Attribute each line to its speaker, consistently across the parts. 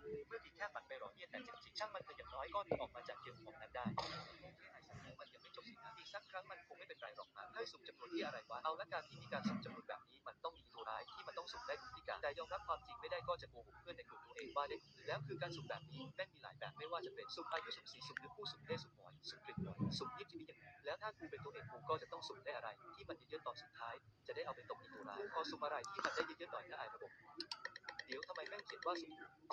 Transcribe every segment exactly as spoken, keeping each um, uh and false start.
Speaker 1: เมื่อกี้แค่ฝันไปหรอเนี่ยแต่จริงๆช่างมันเถอะอย่างน้อยก็หนีออกมาจากเกมของนั้นได้มันยังไม่จบสินะอีกสักครั้งมันคงไม่เป็นไรหรอกนะให้สุ่มจำนวนที่อะไรวะเอาละการที่มีการสุ่มจำนวนแบบนี้มันต้องมีตัวร้ายที่มันต้องสุ่มได้ทุกที่การแต่ยอมรับความจริงไม่ได้ก็จะโกหกเพื่อนในกลุ่มตัวเองว่าได้แล้วคือการสุ่มแบบนี้แม่งมีหลายแบบไม่ว่าจะเป็นสุ่มอายุสุ่มสีสุ่มเนื้อคู่สุ่มเพศสุ่มหอยสุ่มกลิ่นหอยสุ่มยิบจะมีอย่างไรแล้วถ้ากูเป็นตัวเองกูก็จะต้องสุ่มได้อะไรที่มันเยอะๆตอนสุดท้ายจะได้เอาไปตกอีตัวร้ายพอสุ่มอะไรที่มันได้เยอะๆหน่อยนะไอ้ระบบเดี๋ยวทำไมแม่งเขียนว่าสุ่ม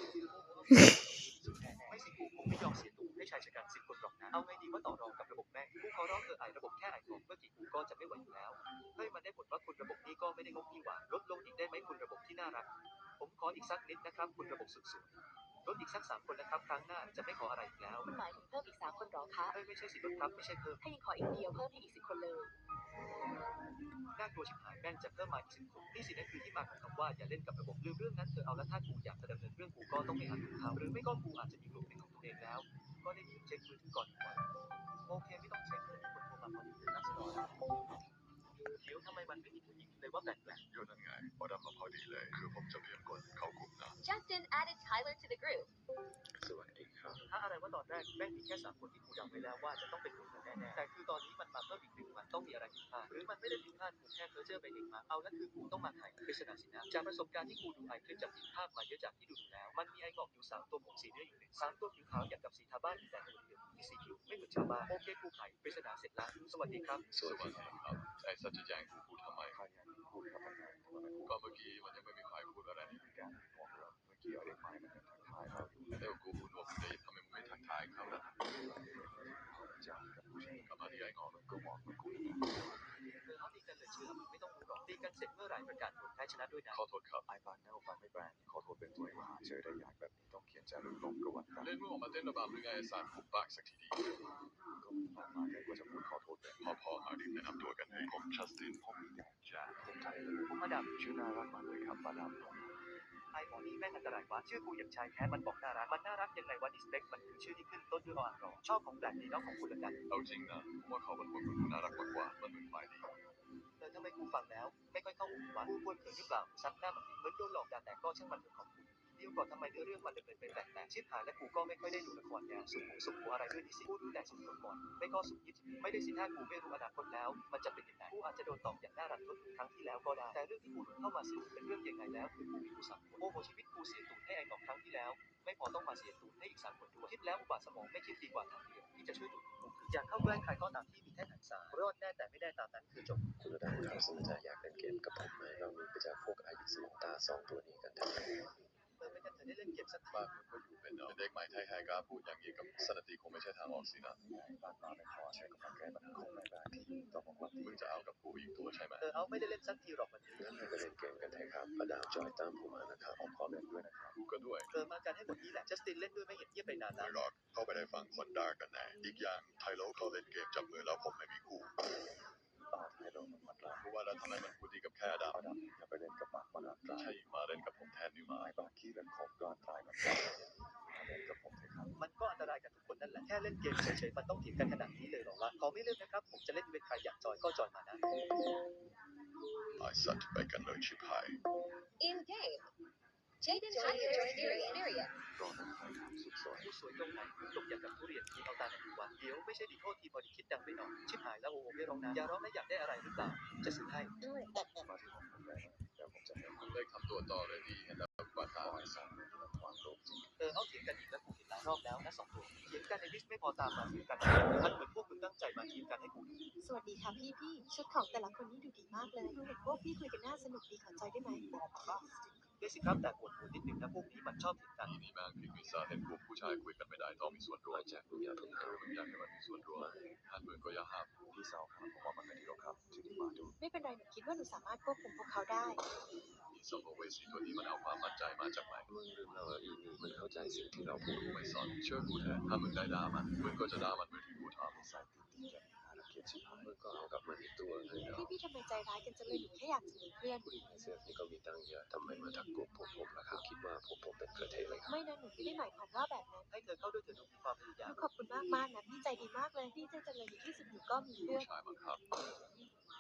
Speaker 1: ไม่สิกูคงไม่ยอมเสียตัวให้ชายชะกันสิบคนหรอกนะเอาไงดีว่าต่อรองกับระบบแม่งกูขอร้องเถอะไอ้ระบบแค่ไอ้ของเมื่อกี้กูก็จะไม่ไหวอยู่แล้วเฮ้ยมันได้ผลว่าคุณระบบนี้ก็ไม่ได้งกนี่หว่าลดลงอีกได้ไหมคุณระบบที่น่ารักผมขออีกสักนิดนะครับคุณระบบสุดๆลดอีกสักสามคนนะครับครั้งหน้าจะไม่ขออะไรอีกแล้ว
Speaker 2: คุณหมายถึงเพิ่มอีกสามคนหรอคะ
Speaker 1: เฮ้ยไม่ใช่สิลดครับไม่ใช่เพิ่ม
Speaker 2: ถ้ายังขออีกเดียวเพิ่มให้อีกสิบคนเลย
Speaker 1: น่ากลัวชิบหายแม่งจะเพิ่มมาอีกสิบคนนี่สินั่นคือที่มาของคำว่าอย่าเล่นกับระบบลืมเรื่องนั้นเธอเอาละถ้ากูอยากจะดำเนินเรื่องกูก็ต้องไปหาลูกค้าหรือไม่ก็กูอาจจะมีกลุ่มเป็นของตัวเองแล้วก็ได้ยินเช็คมือถือก่อนดีกว่าโอเคไม่ต้องเช็คเลยคนโทรมาพอดีเลยนักสนอเดี๋ยวทำไมมันไม่มีผู้หญิงเลยว่าแปลก
Speaker 3: ๆอยู่นั่นไงพอดำมาพอดีเลยคือผมจะเพียงกดเข้ากลุ่มนะ
Speaker 2: Justin added Tyler to the group
Speaker 3: สวัสดีครับ
Speaker 1: ถ้าอะไรว่าตอนแรกแม่งมีแค่สามคนที่กูเดาไว้แล้วว่าจะต้องเป็นกลุ่มนั้นแน่ๆแต่คือตอนนี้มันมาเพิ่มอีกหนึ่งมันต้องมีอะไรผิดพลาดหรือมันไม่ได้ผิดพลาดกูแค่เพ้อเจ้อไปเองมาเอาแล้วคือกูต้องมาไขปริศนาสินะจากประสบการณ์ที่กูดูไอคลิปจากผิดภาพมาเยอะจากที่ดูดูแล้วมันมีไอหงอกอยู่สามตัวผมสีเนื้ออยู่หนึ่งสามตัวผิวขาวอย่างกับสีทาบ้านแต่ตัวเดียวที่สีผิวไม่เหมือนชาวบ้านโอเคกูไขปริศนาเสร็จแล้วสวัสดีครับ
Speaker 3: สวัสดีครับไอ้สัจจะแจงกูพูดทำไม
Speaker 1: ใครอยากพูดครับเป็นไง
Speaker 3: ก็เมื่อกี้มันยังไม่มีใครพูดอะไรนี่
Speaker 1: แกนบอกเราเมื่อกี้เอาเด็กไม้มันทักทายเราอยู่
Speaker 3: เอ้กูพูดว่ามึงได้ทำไมมึงไม่ทักทายเขาล่ะ
Speaker 1: จากกับผู้ชาย
Speaker 3: กลับมาที่ไอ้งอ
Speaker 1: ก็บอกมันคุยเออเอาตีกันเลยเชื่อไม่ต้องรู้หรอกตีกันเสร็จเมื่อไหร่ประกาศผลแพ้ชนะด้วยนะ
Speaker 3: ขอโทษครับ
Speaker 1: ไอฟันเนลฟันไม่แบรนด์ขอโทษเป็นตัวเองหาเจอได้ยากแบบนี้ต้องเขียนจารึกลงกระวันกัน
Speaker 3: เล่นมึงออกมาเต้นระบำหรือไงไอ้สัตว์ผมปากสักทีดี
Speaker 1: ก็มีมากมายแต่กว่าจะพูดขอโทษเลย
Speaker 3: พอพอหาดิแนะนำตัวกันให้ผมชัสติน
Speaker 1: ผมมีแต่จะผมไทยเลยผมมาดามชื่อน่ารักมากเลยครับมาดามไอหมอนี่แม่งอันตรายวะชื่อกูอย่างชายแท้มันบอกน่ารักมันน่ารักยังไงวะดิสเปคมันคือชื่อที่ขึ้นต้นด้วยออ่างรอชอบของแปลกดีเนาะของคุณละกัน
Speaker 3: เอาจริงนะผมว่าเขาเป็นคนน่ารักมากกว่ามันเป็นฝ่ายดี
Speaker 1: เออทำไมกูฟังแล้วไม่ค่อยเข้าหูวะกูควรเขินหรือเปล่าซับหน้าแบบเหมือนโดนหลอกด่าแต่ก็ช่างมันเถอะของกูเดี๋ยวก่อนทำไมเรื่องมันดำเนินไปแปลกๆชิบหายและกูก็ไม่ค่อยได้ดูละครแนวสุขสุขหัวอะไรด้วยดิสิกูดูแต่สุขก่อนไม่ก็สุขยิบไม่ได้สิถ้ากูไม่รู้อนาคตแล้วมันจะเป็นยังไงกูอาจจะโดนตอบอย่างน่ารักทุกครั้งที่แล้วก็ได้แต่เรื่องที่กูเข้ามาสิเป็นเรื่องยังไงแล้วคือกูมีกูสามคนโอ้โหชีวิตกูเสียตูดให้ไอ้หนอกครั้งที่แล้วไม่พอต้องมาเสียตูดให้อีกสามคนด้วยคิดแล้วอุบาทสมองไม่คิดดีกว่าทางเดียวที่จะช่วยตูดกูคืออยากเข้าใกล้ใครก็ตามที่มีแท่นหันษารอดแน่แต่ไม่ได้ตามนั้นคือจบ
Speaker 4: คุณระดับครับสนใจอยากเล่นเกมกับผมไหมเรามีไปจากพวกอายุสมองตาสองตัวนี้กันได้
Speaker 1: เออไม่กันเธอได้เล่นเกมสักที
Speaker 3: บ้านมึงก็อยู่เป็นเด็กใหม่ไทยไฮกล้าพูดอย่างนี้กับสนติคงไม่ใช่ทางออกสินะ
Speaker 1: บ้านมาไม่พอใช้กำลังแก้ปัญหาของแม่บ้านที่ต้องบอกว่า
Speaker 3: มึงจะเอากับกูอีกตัวใช่ไหม
Speaker 1: เออเอาไม่ได้เล่นสักทีหรอกมัน
Speaker 4: งั้นเราไปเล่นเกมกันเถอะครับประดาวจอยตามผมมานะครับ
Speaker 1: ผมขอเล่นด้วยนะครับ
Speaker 3: กูก็ด้วย
Speaker 1: เออมากันให้หมดนี้แหละจัสตินเล่นด้วยไม่เห็นเงียบไปนาน
Speaker 3: ไม่หรอกเข้าไปในฟังคนด่ากันแน่อีกอย่างไทโลเขาเล่นเกมจับมือแล้วผมไม่มีคู่
Speaker 1: ต่อไทยโลมันมันร้าย
Speaker 3: เพราะว่าแล้วทำไมมันพูดดีกับแค่ด
Speaker 1: าดำอย่าไปเล่นกับปากมันร้าย
Speaker 3: ใช่มาเล่นกับผมแทนนี่มา
Speaker 1: ไอ้ปากขี้เล่นของก่อนตายมันมาเล่นกับผมเถอะครับมันก็อันตรายกับทุกคนนั่นแหละแค่เล่นเกมเฉยๆมันต้องเถียงกันขนาดนี้เลยหรอวะขอไม่เล่นนะครับผมจะเล่นเป็นใครอยากจอยก็จอยมานะ
Speaker 3: ไอ้สัตว์ไปกันเลยชิบหาย
Speaker 2: In game Jaden Tyler joined your experience
Speaker 1: รอนะครับสุดสวยสวยตรงไหนตกอย่างกับทุเรียนที่เอาตาไหนดูวะเดี๋ยวไม่ใช่ดีโทษทีพอดีคิดดังไปหน่อยชิบหายแล้วโอ้โหไม่ร้องนะอย่าร้องนะอยากได้อะไรหรือเปล่าจะซื้อให้มาที่ห้องผมเลยเดี๋ยวผมจะให้
Speaker 3: มึงเลิกทำตัวต่อเลยดีเห็นแล้วกว่าตา
Speaker 1: ไอ้สองเนี่ยมันความโลภจริงเออเอาเถียงกันอีกแล้วกูเห็นหลายรอบแล้วนะสองตัวเถียงกันในลิสต์ไม่พอตามมาทีมกันมันเหมือนพวกมึงตั้งใจมาทีมกันให้กู
Speaker 2: สวัสดีค่ะพี่พี่ชุดของแต่ละคนนี่ดูดีมากเลยดูเห็นพวกพี่คุยกันน่าสนุกดีขอจอยได้ไหม
Speaker 1: บอกครับได้สิครับแต่ปวดหัวนิดนึงนะพวกนี้มันชอบเถียงกัน
Speaker 3: นี่บางพิกวิซาเห็นกลุ่มผู้ชายคุยกันไม่ได้ต้องมีส่วนร่วม
Speaker 4: จากมึงอย่าเพิ่งหา
Speaker 3: มึงอยากให้มันมีส่วนร่วมท่านมึงก็อย่าห้าม
Speaker 1: พี่สาวครับผมว่ามันไม่ดีหรอกครับที่นี่มาดู
Speaker 2: ไม่เป็นไรหนูคิดว่าหนูสามารถควบคุมพวกเขาได้
Speaker 3: อีสมภเวสีตัวนี้มันเอาความมั่นใจมาจากไหน
Speaker 4: มึงลืมแล้วเหรออีนี่มันเข้าใจสิ่งที่เราพูด
Speaker 3: ไม่สอนเชื่อกูเถอะถ้ามึงได้ด่ามันมึงก็จะด่ามันเหมือนที่กูท
Speaker 1: ำใส่ติดติดกันน่ารักเกียดชิบหาย
Speaker 4: มึงก็เอากับมันอีกตัวเลย
Speaker 2: พี่พี่ทำไมใจร้ายกันจังเลยหนูแค่อยากจะมีเพื่อน
Speaker 4: ผู้หญิงในเสื้อนี่ก็มีตังค์เยอะทำไมมาทักกลุ่มพวกผมล่ะครับคิดว่าพวกผมเป็นกระเทยเลยครับ
Speaker 2: ไม่นะหนูไม่ได้หมายความว่าแบบนั้น
Speaker 1: ให้เธอเข้าด้วยเธอดูมีความพยายาม
Speaker 2: ขอบคุณมากมากนะพี่ใจดีมากเลยพี่ใจจังเลยในที่สุดหนูก็มีเพื่อน
Speaker 3: ผู้ชายบังคับ
Speaker 1: เขา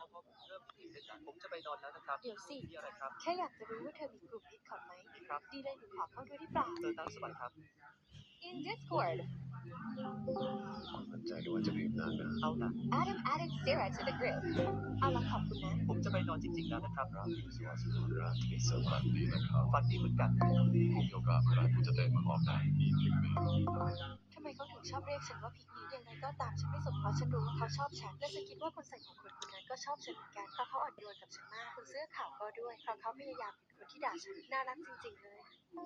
Speaker 1: พอผมเริ่มที่ตื่นเต้นนะผมจะไปนอนแล้วนะครับ
Speaker 2: เดี๋ยวสิ
Speaker 1: มีอะไรครับ
Speaker 2: แค่อยากจะรู้ว่าเธอมีกลุ่ม Discord ไหม
Speaker 1: มีครับ
Speaker 2: ดีเลยหนูขอเข้าด้วยได้เปล่า
Speaker 1: เออตามสบายครับ
Speaker 5: In Discord,
Speaker 4: มั่นใจหรือว่าจะรีบนานนะ
Speaker 1: เอานะ
Speaker 5: Adam added Sarah to the group.
Speaker 2: เอาละขอบคุณนะ
Speaker 1: ผมจะไปนอนจริงๆแล้วนะครับ
Speaker 3: ราตรีสวัสดิ์ราตรีสวัสดีนะครับ
Speaker 1: ฝันดีเหมือนกัน
Speaker 3: ผมโยกะเมื่อไหรผมจะเต้นมาออกได้นี่พิกเมย์
Speaker 2: ทำไมเขาถึงชอบเรียกฉันว่าพิกนี้ยังไงก็ตามฉันไม่สนเพราะฉันรู้ว่าเขาชอบฉัน และฉันคิดว่าคนใส่หัวคนคนนั้นก็ชอบฉันเหมือนกัน เพราะเขาอ่อนโยนกับฉันมากคนเสื้อขาวก็ด้วย เพราะเขาพยายามเป็นคนที่ด่าฉัน น่ารักจริงๆเลย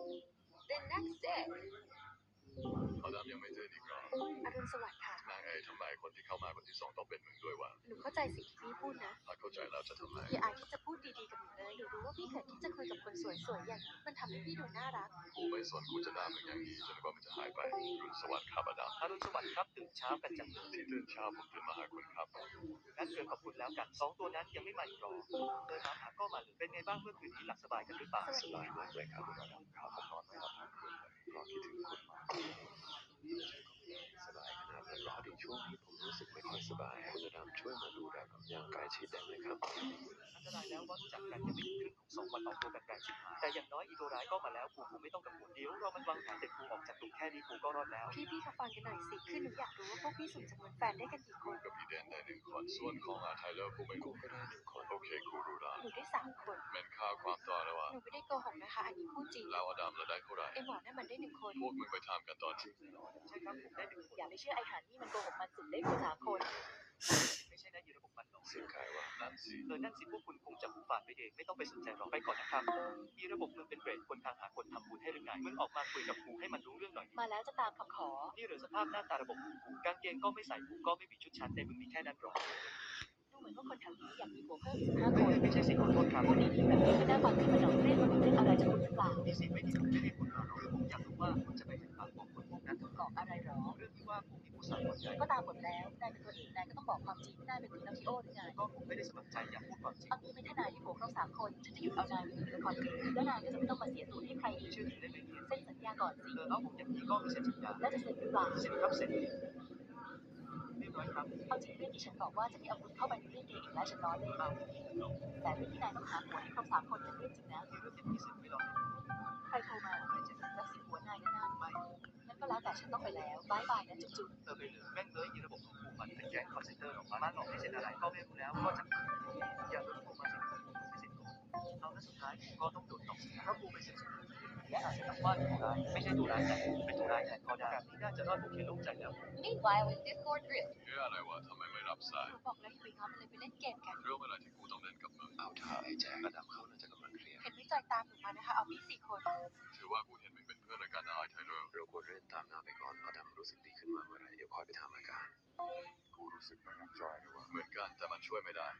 Speaker 5: The next day,
Speaker 3: อดัมยังไม่เจออีกเหรอ
Speaker 2: อรุณสวัสดิ์ค่ะ
Speaker 3: นางไอ้ทำไมคนที่เข้ามาคนที่สองต้องเป็นมึงด้วยวะ
Speaker 2: หนูเข้าใจสิ่งที่พี่พูดนะ
Speaker 3: ถ้าเข้าใจแล้วจะทำไม
Speaker 2: พี่อายที่จะพูดดีๆกับหนูเลย หนูรู้ว่าพี่เขินที่จะคุยกับคนสวยๆอย่างนี้มันทำให้พี่ดูน่ารัก
Speaker 3: กูไม่สนกูจะด่ามึงอย่างนี้จนกว่ามันจะหายไปรุ่นสวัสดิ์ครับอดัม
Speaker 1: อรุณสวัสดิ์ครับตื่นเช้ากันจังเลย
Speaker 3: ที่ตื่นเช้าผมตื่นมาหาคุณครับ
Speaker 1: งั้นเกินขอบคุณแล้วกันสองตัวนั้นยังไม่มาอีกหรอเดินมาหาก็มาเลยเป็นไงบ้างเมื่อคืนนี้หลับสบายกันหรือเปล่า
Speaker 3: สบายมากเลยครับคุณอดัมครับผมนอนไม่หลับทั้งคืนเลยเพราะคิดถึงคุณมาก
Speaker 4: สบายขนาดนั้นเหรอดีช่วงนี้ผมรู้สึกไม่ค่อยสบายคุณอดัมช่วยมาดูแลผมอย่างใกล้ชิดได้ไหมครับ
Speaker 1: อันตรายแล้วว่ารู้จักกันยังไม่ถึงครึ่งของสองวันออกตัวกันไกลชิบหายแต่อย่างน้อยอีตัวร้ายก็มาแล้วกูกูไม่ต้องกังวลเดี๋ยวเรามันวางแผนเด็ดกูออกจากกลุ่มแค่นี้กูก็รอดแล้ว
Speaker 2: พี่ๆเขาฟังกันหน่อยสิ คือหนูอยากรู้ว่าพวกพี่สุ่มจำนวนแฟนได้กันกี่ค
Speaker 3: กู
Speaker 2: น
Speaker 3: กับพี่เดนได้หนึ่งคนส่วนของอาไทเลอร์กูไม่
Speaker 4: กู
Speaker 3: รู้
Speaker 4: ก็ได้หนึ่งคน
Speaker 3: โอเคกูรู้ละ
Speaker 2: หนูได้สามคน
Speaker 3: เมนค่าความต่อแล้วอะ
Speaker 2: หนูไม่ได้โกหกนะคะ อันนี้พูดจริง
Speaker 3: แล้วอดัมเราได้เท่าไหร่
Speaker 2: ไอหมอนั่นมันได้หนึ่งคน
Speaker 3: พวกมึงไปทำกันตอนที่
Speaker 1: ใช่ครับผมได้หนึ่งคน
Speaker 5: อย่าไปเชื่อไอ้หานี่มันโกหกมันสุดได้ผู้สามคน
Speaker 1: ไม่ใช่นะยีระบบมันหรอก
Speaker 4: เสียงใครวะ
Speaker 3: นั่นสิ
Speaker 1: เออนั่นสิพวกคุณคงจะหูฝาดไปเองไม่ต้องไปสนใจหรอกไปก่อนนะครับยีระบบมึงเป็นเบรดคนทางหาคนทำบุญให้หรือไงมึงออกมาคุยกับกูให้มันรู้เรื่องหน่อย
Speaker 5: มาแล้วจะตามคำขอ
Speaker 1: นี่เหรือสภาพหน้าตาระบบของกูกางเกงก็ไม่ใส่กูก็ไม่มีชุดชั้นในมึงมีแค่นั้นหรอ
Speaker 5: ดูเหมือนว่าคนแถวนี้อยากมีผัวเพิ่มอีกห้า
Speaker 1: ไม่
Speaker 5: คน
Speaker 1: ไม่ใช่สิขอโทษครับ
Speaker 5: พูดดีๆแบบนี้ก็น่าฟังขึ้นมาหน่อยเล่นมันเล่นอะไรจะคุณหรือเปล่า
Speaker 1: นี่สิไม่ดีไม่ได้คุณเราคือผมอยากรู้ว่าคุณจะไปถึงปากบอกคนพวกนั้น
Speaker 5: กรอกอะไรหรอ
Speaker 1: เรื่องที่ว่ากูมีผู้สาวคนใหญ่
Speaker 5: ก็ตามบทแล้วนายเป็นตัวเอกนายก็ต้องบอกความจริงไม่ได้เป็นตินาทิโอหรือไง
Speaker 1: ก็ผมไม่ได้สมัครใจอยากพูดความจริง
Speaker 5: เอางี้เป็นทนายที่ผัวครบสามคนฉันจะหยุดเอานายไว้ที่ละครเองแล้วนายก็จะไม่ต้องมาเสียตูดให้ใครอีก
Speaker 1: ชื่อถึงได้ไม่มี
Speaker 5: เซ็นสัญญาก่อนสิ
Speaker 1: เออเอาผมอย่างนี้ก็มีเซ็นสัญญา
Speaker 5: แล้วจะเซ็นหรือเปล่า
Speaker 1: เซ็นครับเซ็นเรียบร้อยครับ
Speaker 5: เอาจริงเรื่องที่ฉันบอกว่าจะไม่เอาคุณเข้าไปในเรื่องเกย์อีกแล้วฉันล้อเล่น
Speaker 1: เอา
Speaker 5: แต่เรื่องที่นายต้องหาผัวให้ครบสามคนเป็นเรื่องจริงนะ
Speaker 1: ที่เรื่องเจ็ดที่สิบไม่รอ
Speaker 5: ใครโทรมาใครจะรับสิทธิ์หัวนายแน่ๆไม่งั้นก็แล้วแต่ฉันต้องไปแล้วบายบายนะจุ๊บ
Speaker 1: เออไปเลยแม่งเลยยีระบบของกูมันเป็นแก๊งคอนเซนเตอร์หรอกมาหลอกให้เซ็นอะไรก็ไม่รู้แล้วก็จะอย่าเลิกผมมาสิไม่เซ็นก่อนเอาแล้วสุดท้ายก็ต้องโดนตกเพราะกูไปเซ็นสุดและอาจจะต้องว่าตัวร้ายไม่ใช่ตัวร้ายแต่เป็นตัวร้ายแทนก็ได้แบบนี้น่าจะรอดโอเคลงใจแล้ว
Speaker 5: ๆ Meanwhile in Discord group
Speaker 3: เฮ้ยอะไรวะทำไมไม่รับสาย
Speaker 2: หนูบอกแล้วอย่าไปง้อมันเลยไปเล่นเกมกัน
Speaker 3: เรื่องอะไรที่กูต้องเล่นกับมึง
Speaker 4: เอาเท้าไอ้แจ็คอดัมเขาน่าจะกำลังเครียด
Speaker 2: เห็นไม่จอยตามหนูมานะคะ เอาพี่สี่คน
Speaker 3: ถือว่ากูเห็นมึงเป็นเพื่อนรายการอาไทเลอร์
Speaker 4: เราควรเล่นตามหน้าไปก่อนอดัมรู้สึกดีขึ้นมาเมื่อไหรเดี๋ยวคอยไปทำอาการ
Speaker 3: กูรู้สึกไม่มั่นใจเลยว่าเหมือนกันแต่มันช่วยไม่ได้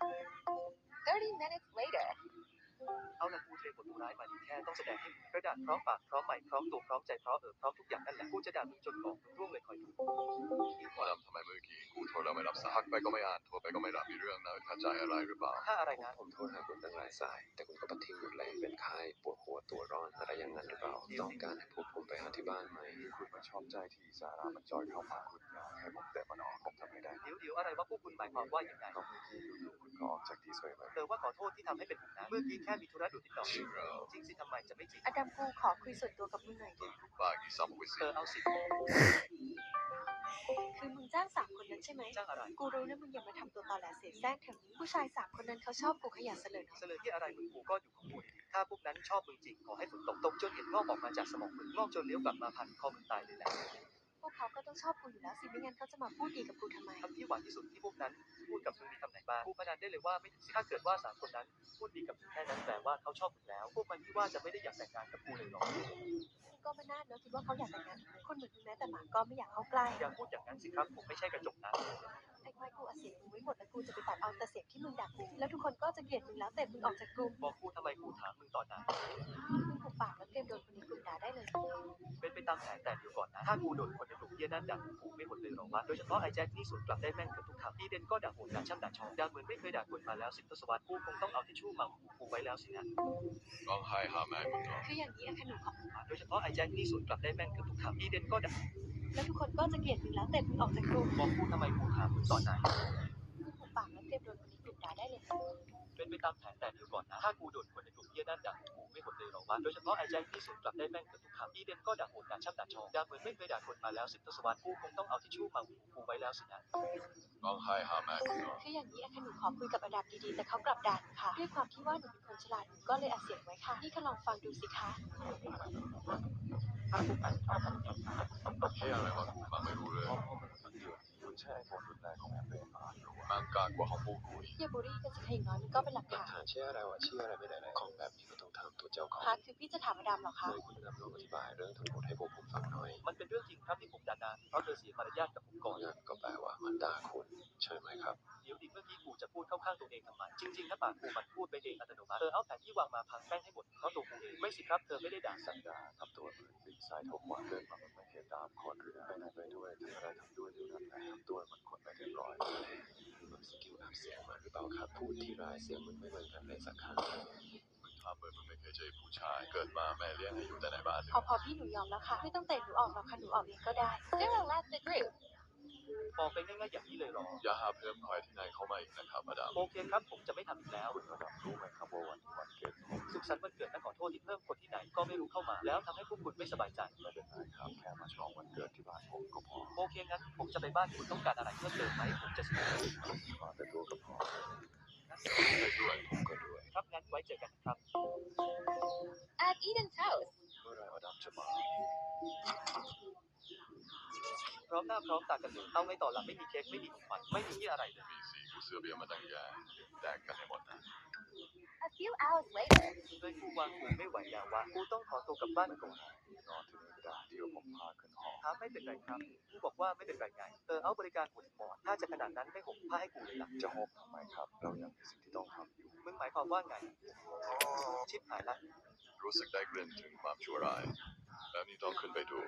Speaker 5: thirty minutes later
Speaker 1: เอาละกูเทบทตัวร้ายมาดีแค่ต้องแสดงให้กระดาษพร้อมปากพร้อมใหม่พร้อมตัวพร้อมใจพร้อมเออพร้อมทุกอย่างนั่นแหละกูจะด่ามึงจนบอกมึงร่วงเลยคอยดู
Speaker 3: ว่าทำไมเมื่อกี้กูโทรแล้วไม่รับสายทักไปก็ไม่อ่านโทรไปก็ไม่รับมีเรื่องนะเข้าใจอะไรหรือเปล่า
Speaker 1: ถ้าอะไร
Speaker 4: ผม
Speaker 1: นะ
Speaker 4: ผมโทรหาคุณตั้งหลายสาย แต่คุณก็ปฏิหมดเลยเป็นไข้ปวดหัวตัวร้อนอะไรอย่างนั้นหรือเปล่าต้องการให้พวกผมไปหาที่บ้านไหม
Speaker 3: คุณมาชอบใจที่สารามันจอยเข้ามาคุณอยากให้ผมแต่มันออกผมทำไม่ได้
Speaker 1: เดี๋ยวเดี๋ยวอะไรวะพวกคุณหมายความว่าอย่างไร
Speaker 3: ก็เมื่อกี้อยู่ๆคุณก็ออกจากที่สวยไป
Speaker 1: เออว่าขอโทษที่ทำให้เป็นห่วงนะเมื่อกี้แค่มีธุระด่วนนิดหน่อย
Speaker 3: จริงเหรอ
Speaker 1: จริงสิทำไมจะไม่จริง
Speaker 2: อดัมกูขอคุยส่วนตัวกับมึงหน่อยดิ
Speaker 3: บ้ากี่ซัมวิ
Speaker 1: เอ
Speaker 3: สิ
Speaker 1: อเอาสิ
Speaker 2: คือมึงจ้างสามคนนั้นใช่ไหม
Speaker 1: จ้างอะไร
Speaker 2: กูรู้นะมึงอย่ามาทำตัวตอแหลเสแสร้งแถวนี้ ผู้ชายสามคนนั้นเขาชอบกูขยันเสลอเนาะ
Speaker 1: เสลอที่อะไรมึงกูก็อยู่ของกูดีๆถ้าพวกนั้นชอบมึงจริงขอให้ฝนตกตกจนเห็นงอกออกมาจากสมองมึงงอกจนเลี้ยวกลับมาพันคอมึงตายเลยแหละ
Speaker 2: พวกเขาก็ต้องชอบกูอยู่แล้วสิ ไม่งั้นเขาจะมาพูดดีกับกูทำไม
Speaker 1: คำที่หวานที่สุดที่พวกนั้นพูดกับมึงมีคำไหนบ้างกูพนันได้เลยว่าไม่ถึงสิบถ้าเกิดว่าสามคนนั้นพูดดีกับมึงแค่นั้นแปลว่าเขาชอบมึงแล้ว พวกมันที่ว่าจะไม่ได้อยากแต่งงานกับกูเลยหรอก
Speaker 2: มึงก็ไม่น่าเนอะคิดว่าเขาอยากแต่งงานกับมึงคนเหมือนมึงแม้แต่หมาก็ไม่อยากเข้าใกล้
Speaker 1: อย่าพูดอย่างนั้นสิครับผมไม่ใช่กระจกนะ
Speaker 2: ไอ้ควายกูอัดเสียงมึงไว้หมดแล้วกูจะไปตัดเอาแต่เสียงที่มึงด่ากู แล้วทุกคนก็จะเกลียดมึงแล้วแต่มึงออกจากกลุ่ม
Speaker 1: บอกกูทำไมกูถามมึงตอนไหน
Speaker 2: มึงหุบปากแล้วเตรียมโดนคนในกลุ่มด่าได้เลย
Speaker 1: เป็นไปตามแผนแต่เดี๋ยวก่อนนะ ถ้ากูโดนคนในกลุ่มเยี่ยนั่นด่ากูไม่หมดเลยหรอวะ โดยเฉพาะไอ้แจ็คนี่สวนกลับได้แม่งเกือบทุกคำพี่เดนก็ด่าโหดด่าช่ำด่าชองด่าเหมือนไม่เคยด่าคนมาแล้วสิบทศวรรษกูคงต้องเอาทิชชู่มาหูกูไว้แล้วสินะ
Speaker 3: ร้องไห้หาแม่มึงเหรอ
Speaker 2: คืออย่างนี้อะค่ะหนูขอ
Speaker 1: โดยเฉพาะไอ้แจ็คนี่สวนกลับได้แม่งเกือบทุกคำพี่เดนก็ด่า
Speaker 2: แล้วทุกคนก็จะเกลียดมึงแล้วแต่มึงออกจากกลุ่ม
Speaker 1: บอกกูทำไมกูถามมึงตอนไหน
Speaker 2: มึงหุบปากแล้วเตรียมโดนคนในกลุ่มด่าได้เลย
Speaker 1: เป็นไปตามแผนแต่เดี๋ยวก่อนนะถ้ากูโดนคนในกลุ่มเหี้ยนั่นด่ากูไม่หมดเลยหรอวะโดยเฉพาะไอ้แจ็คที่สวนกลับได้แม่งเกือบทุกคำอีเดนก็ด่าโหดด่าช่ำด่าชองด่าเหมือนไม่เคยด่าคนมาแล้วสิบทศวรรษกูคงต้องเอาทิชชู่มาหูกูไว้แล้วสินะ
Speaker 3: ร้องไห้หาแม่กูเนาะ
Speaker 2: คืออย่างนี้อะค่ะหนูขอคุยกับอดัมดีๆแต่เขากลับด่าหนูค่ะด้วยความที่ว่าหนูเป็นคนฉลาดหนูก็เลยอัดเสียงไว้ค่ะนี่ก็ลองฟังดูสิคะ
Speaker 3: เฮียอะไรวะกูฟังไม่รู้เลย
Speaker 4: คุณใช้ไอโฟนรุ่นแรกของแอปเปิลมา
Speaker 3: มันกากกว่าของพวกกูอีก
Speaker 2: อย่าบูลลี่กันสิคะอย่างน้อยมันก็เป็นหลัก
Speaker 4: หลัก
Speaker 2: ฐาน
Speaker 4: ฐานเชื่ออะไรวะเชื่ออะไรไม่ได้เลยของแบบนี้ก็ต้องถามตัวเจ้าของ
Speaker 2: คะคือพี่จะถามอดัมเหรอคะ
Speaker 4: เลยคุณนำลองอธิบายเรื่องทั้งหมดให้พวกผมฟังหน่อย
Speaker 1: มันเป็นเรื่องจริงครับที่ผมด่านางเพราะเธอเสียมารยาทกับผมก่อน
Speaker 4: งั้นก็แปลว่ามันด่าคุณใช่ไหมครับ
Speaker 1: เดี๋ยวดิเมื่อกี้กูจะพูดเข้าข้างตัวเองทำไมจริงๆนะปากกูมันพูดไปเองอัตโนมัติเธอเอาแผนที่วางมาพังแป้งให้หมดเพราะตัวกูเองไม่สิครับเธอไม่ได้ด่า
Speaker 4: สันดาทำตัวเหมือนปีกซ้ายเท่าขวาเดินมามันไม่เห็นตามคนเรือไปไหนไปด้วยทำอะไรทำด้วยเท่านั้นแหละทำตัวเหมือนคนไม่เรียบร้อยมันสกิลอัพเสียงมาหรือเปล่าครับพูดที่รายเสียงมันไม่เหมือนกันเลยสักครั้ง
Speaker 3: มึงทำเหมือนมึงไม่เคยเจอผู้ชาย เกิดมาแม่เลี้ยงให้อยู่แต่ในบ้าน
Speaker 2: พอพอพี่หนูยอมแล้วค่ะไม่ต้องเตะหนูออกหรอกค่ะหนูออกเองก็ได้ Still left the group
Speaker 1: บอกไปง่ายๆอย่างนี้เลยหรอ
Speaker 3: อย่าหาเพิ่มคอยที่ไหนเข้ามาอีกนะครับมาดาม
Speaker 1: โอเคครับผมจะไม่ทำอีกแล้ว
Speaker 4: คุณระดับรู้ไหมครับว่าวันนี้วันเกิดผม
Speaker 1: สุขสันต์วันเกิดและขอโทษที่เพิ่มคนที่ไหนก็ไม่รู้เข้ามาแล้วทำให้พวกคุณไม่สบายใจ
Speaker 4: ไม่เป็นไรครับแค่มาฉลองวันเกิดที่บ้านผมก็พอ
Speaker 1: โอเคงั้นผมจะไปบ้านคุณต้องการอะไรเพิ่มเติมไหมผมจะซื้อ
Speaker 4: มาแต่ตัวก็พอ
Speaker 3: ไปด้วย
Speaker 4: ผมก็ด้วย
Speaker 1: ครับงั้นไว้เจอกันครับ
Speaker 5: at Eden's house
Speaker 4: เมื่อไรอดัมจะมา
Speaker 1: พร้อมหน้าพร้อมตากันเลยเอาไงต่อหลังไม่มีเค้กไม่มีของขวัญไม่มีที่อะไรเลย
Speaker 3: มีสีกูเสือเบียร์มาตั้งแย่แดกกันให้หมดนะ
Speaker 5: a few hours later
Speaker 1: เลยกูวางกูไม่ไหวแล้ววะกูต้องขอตัวกลับบ้านก่อน
Speaker 4: นอนที่นี่ก็ได้เดี๋ยวผมพาขึ้นหอ
Speaker 1: ครับไม่เป็นไรครับกูบอกว่าไม่เป็นไรไงเออเอาบริการหัวถึงหมอนถ้าจะขนาดนั้นไม่ห่มผ้าให้กูเลยล่ะ
Speaker 4: จะหอบทำไมครับ เรายังมีสิ่งที่ต้องทำอยู่
Speaker 1: มึงหมายความว่าไงชิบหายละ
Speaker 3: รู้สึกได้กลิ่นถึงความชั่วร้ายแล้วนี่ต้องขึ้นไปดู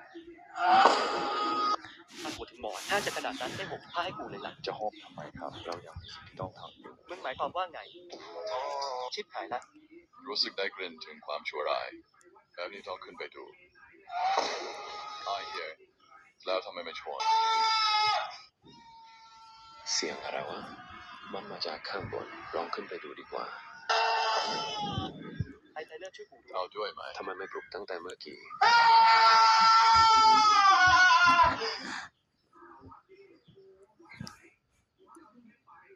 Speaker 1: ถ้าหัวถึงหมอนถ้าจะขนาดนั้นไม่ห่มผ้าให้กูเลยล่ะ
Speaker 4: จะหอบทำไมครับ เรายังมีสิ่งที่ต้องทำอยู่
Speaker 1: มึงหมายความว่าไงชิบหายละ
Speaker 3: รู้สึกได้กลิ่นถึงความชั่วร้ายแล้วนี่ต้องขึ้นไปดูไอ้เหี้ยแล้วทำไมไม่ชวน
Speaker 4: เสียงอะไรวะ มันมาจากข้างบนลองขึ้นไปดูดีกว่า
Speaker 1: ไอ้ไทเลอร์ช่วยกูด้วย
Speaker 3: เอาด้วยไหม
Speaker 4: ทำไมไม่ปลุกตั้งแต่เมื่อกี้